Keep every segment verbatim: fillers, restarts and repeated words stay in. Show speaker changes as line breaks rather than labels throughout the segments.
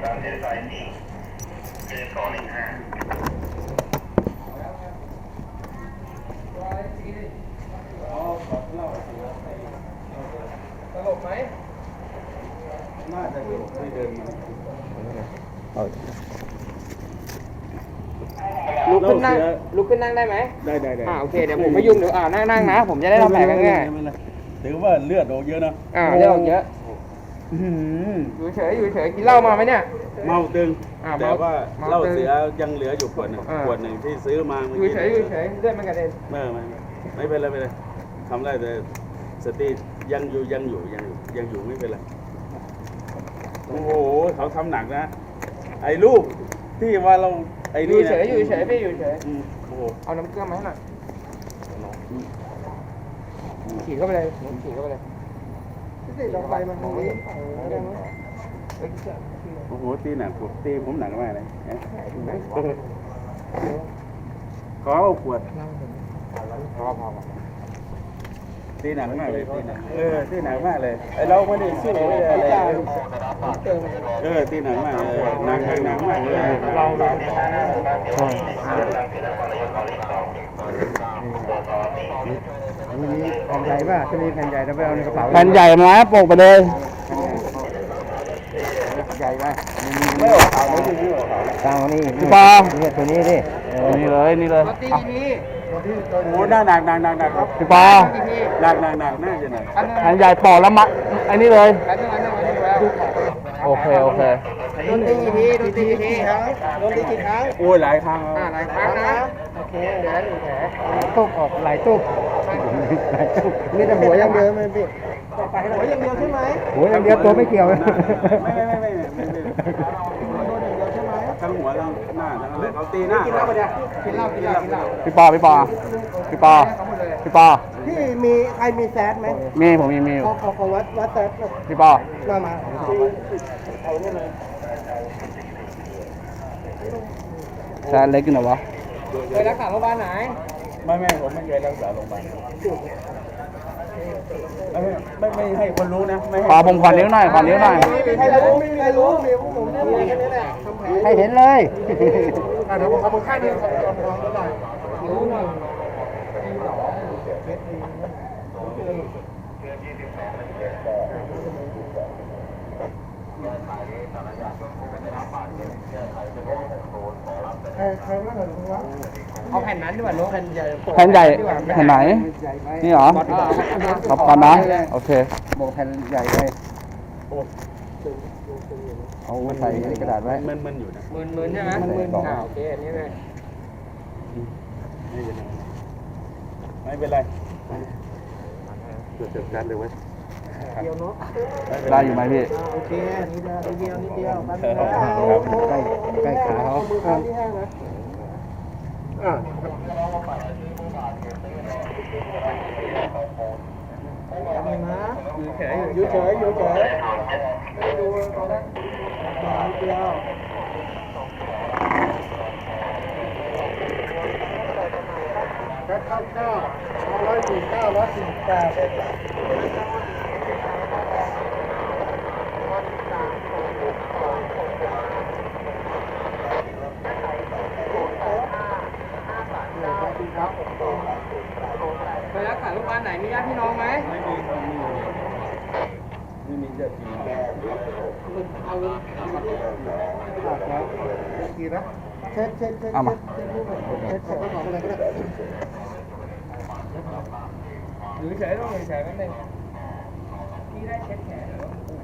ตามเส้นสายสี่คือสองหนึ่งห้า
ตลกไหม
น่าจะอยู่ที่เดินมา
ลุกขึ้นนั่งลุกขึ้นนั่งได้ไหม
ได้ได้ได้
อ่าโอเคเดี๋ยวผมไม่ยุ่งเดี๋ยวอ่านั่งนั่งนะผมจะได้ทำแผลกันง่าย
ถือว่าเลือดออกเยอะนะ
อ่าเลือดออกเยอะอยู่เฉยอยู่เฉยกินเหล้ามาไหมเนี่ย
เมาตึงแต่ว่าเหล้าเสียยังเหลืออยู่ขวดนึงขวดหนึ่งที่ซื้อมา
อยู่เฉยอยู่เฉยเลือดมันกระเด็น
ไม่ไม่ไม่เป็นไรไม่เป็นไรทำได้แต่สติยังอยู่ยังอยู่ยังอยู่ยังอยู่ไม่เป็นไรโอ้โหเขาทำหนักนะไอ้ลูกที่ว่าเราไอ้
นี่
อยู่
เฉยอยู่เฉยพี่อยู่เฉย
โอ้โห
เอาน้ำเกลือมาให้หน่อยฉีดเข้าไปเลยฉีดเข้าไปเลยพี่ลงไปมันตรงนี้
โอ้โหตีหนักผมตีผมหนักมากเลยขอเอาขวด
พอพอ
ตีหนักมากเลยตีหนักเออตีหนักมากเลยไอเราไม่ได้สู้ไม่ได้อะไรเออตีหนักมากเลยหนักหนักมากเลยเราเรา
มีแผ่นใหญ่ป่ะจะมีแผ่นใหญ่แล้วไปเอาในกระเป๋า
แผ่นใหญ่มาโปกไปเลย
ใหญ่ไป
ไม่ออกขาวไม่ถึงไม่ออกขาว
ตามนี่พี่ปอนี่ตัวนี้ดินี่เลยนี่เลย
ตีนี้
โอ้หนักหนักหนักหนักหนักครับ
พี่ปอ
หนักหนักหนักน่าจะหนัก
แผ่นใหญ่ปอกแล้วมัดไอ้นี่เลยโอเคโอเค
โดนตีกี่ทีโดนตีกี่ทีครับโดนตีกี่ครั้ง
โอ้ยหลายครั้ง
อ่าหลายครั้งนะโอเคเดี๋ยวหนึ่งแผล
ตุ๊บออกหลายตุ๊บหลายตุ๊บ
มีแต่หัวอย่างเดียวไหมพี่หัวอย่างเดียวใช่ไหม
หัวอย่างเดียวตัวไม่เกี่ยว
ไม่ไม่ไม่ไม่ไม่ไม่ทั้งหัวทั้งหน้าทั้งอะไรเขาตีหน้า
กินเหล้าปะเนี่ยกินเหล้ากินเหล้ากินเหล้า
พี่ปอพี่ปอพี่ปอพี่ปอ
พี่มีใครมีแซดไหม
มีผมมีมี
ขอขอขอวัดวัดแซด
พี่ปอ
มามาเอาเนี่ยเลย
แซดเล็กอยู่ไหนวะ
เคยรักษาโรงพยาบาลไหน
ไม่ไม่ผมไม่เคยรักษาโรงพยาบาลไม่ไม่ให้คนรู้นะไม่
ขอผมขอนิ้วหน่อยขอนิ้วหน่อย
ไม่มีใครรู้ไม่มีใครรู้มีผมเนี่ยมีแค่นี้แหละ
ให้เห็นเลย
เดี๋ยวผมเอามือข้างนึงขอลองลองหน่อยนิ้วหนึ่งเอาแผ่นนั้นดีกว่าน้องแผ่นใหญ่
แผ่นใหญ่แผ่นไหนนี่เหรอขอบคุณนะโอเคบอกแผ่นใหญ่เลยเอาใส่ในกระดาษไว้
มันมันอยู่นะ
มันมันใช่ไหมมันมันอ่าโอเคอันนี้เลย
ไม่เป็นไรเกิดเกิดการเลยเว้ย
เดียวเนาะ
ได้อยู่ไหมพี่
โอเคนิดเดียวนิดเดียวนิดเดียวแป๊บนึง
ใกล้ใกล้ขาเขา
มือข้างที่แห้งนะอ่าทำนะอยู่เฉยอยู่เฉยอยู่เฉยดูตอนนั้นนิดเดียวแค่ข้าวเก้าร้อยสี่เก้าร้อยสี่แปดเคยรักษาโรงพยาบาลไหนมีญาติพี่น้องไหม
ไม่มีไม่มีญาติพี่น้อง
เอากี่นะเช็ดเช็ดเช็ด
เอามา
เช็ดเช็ดของอะไรก็ได้หรือเฉยต้องเฉยนั่นเองพี่ได้เช็ดแขน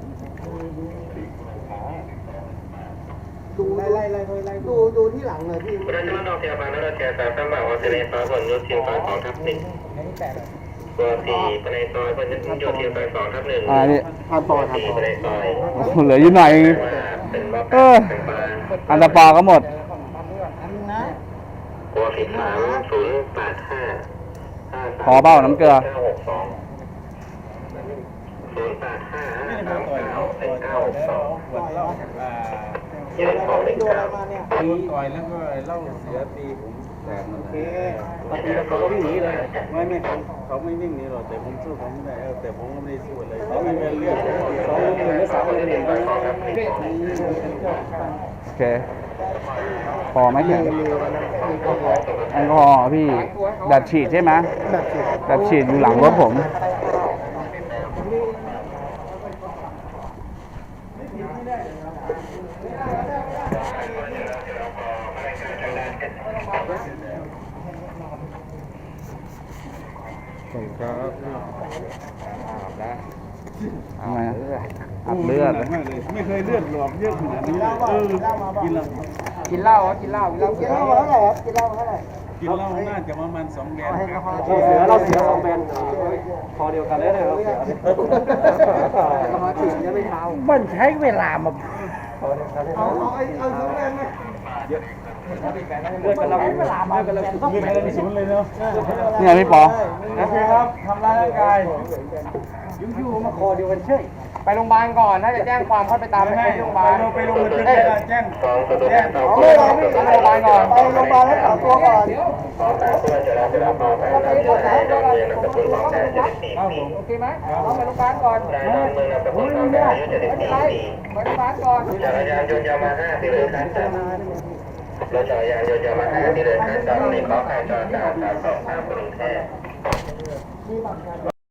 ดูไล่ไล่ไล่ไล่ดูดูที่หลังเลยพี่
เราจะมาลองเทียบมาแล้วเราเทียบสามสามแบบว่าเทเลซอยบนยูทีมซอยสองทับหนึ่งตัวสี่ภายในซอยบนยูทีมซอยสองทับหนึ่ง
อ่านี่
ผ่านต่อครั
บภายในซอย
เหลืออยู่หน่อยเอออันตรปอก็หมด
ตัวสิบสามศูนย์แปดห้า
ขอเบ้าน้ำเกลือ
ศูนย์แปดห้า
ไม่ได้มาต่อยเขาต่อยเก้าสองขวดเหล้าอ่า
ยืนของเล็กครับ
ตีต่อยแล้วก็เหล้าเสียตีผมนั่น
โอ
แห
เค
ละ
ปฏิบัติเขาก็วิ่งหนีเลย
ไม่ไม่เขาเขาไม่วิ่งหนีหรอกแต่ผมสู้เขาไม่ได้เออแต่ผมก็ไม่ได้สู้อะไรเขาไม่เป็นเรื่องสองหนึ่งหรือสามหนึ่งหนึ่ง
โอเค พอไหมแข็งแอลกอฮอล์พี่แบบฉีดใช่ไหม
แบบสิ
แบบฉีดอยู่หลังรถผม
ผมครับ
ทำไมอะอัดเลือด
มากเลยไม่เคยเลือดหลอกเยอะขนาดนี้เลยเออกินเหล้า
กินเหล้ากินเหล้ากินเหล้ากินเหล้าเท่าไหร่ครับกินเหล้าเท่าไหร่
กินเหล้าน่าจะประมาณสองแบน
เราเสือเราเสือสองแบนพอเดียวกันเลยเราเสือมาถึงยังไม่เท้ามันใช้เวลามาเอาเอาไอ้เอาสองแบนไหมเลือดกันเราเวลามากันเราต้องไปเลยศูนย์เลยเนาะ
เนี่ยพี่ปอ
โอเคครับทำร้ายร่างกาย
อยู่ๆมาคอเดียวกันเฉยไปโรงพยาบาลก่อนถ้าจะแจ้งความค่อยไปตามไปที่โรงพยาบาล
ไปลงบันทึกแจ้ง
สองประตูแรกต่อ
ไม่เราไม่ไปโรงพยาบาลก่อนไปโรงพยาบาลแล้วต่อตัวก่อน
สองสามเพื่อนจะรับจะรับต่อไปนำตัวให้ดอนเมืองนำตะพุนของแท้เจ็ดสิบสี่ปี
โอเคไหมเราไปโรงพยาบาลก่อน
นายดอนเมืองนำตะพุนของแท้อายุเจ็ดสิบสี่ปี
ไปโรงพยาบาลก่อน
จักรยานยนต์ยามาฮ่าที่เลยคันจับรถจักรยานยนต์ยามาฮ่าที่เลยคันจับในข้อการจราจรสามสองสามกรุงเทพ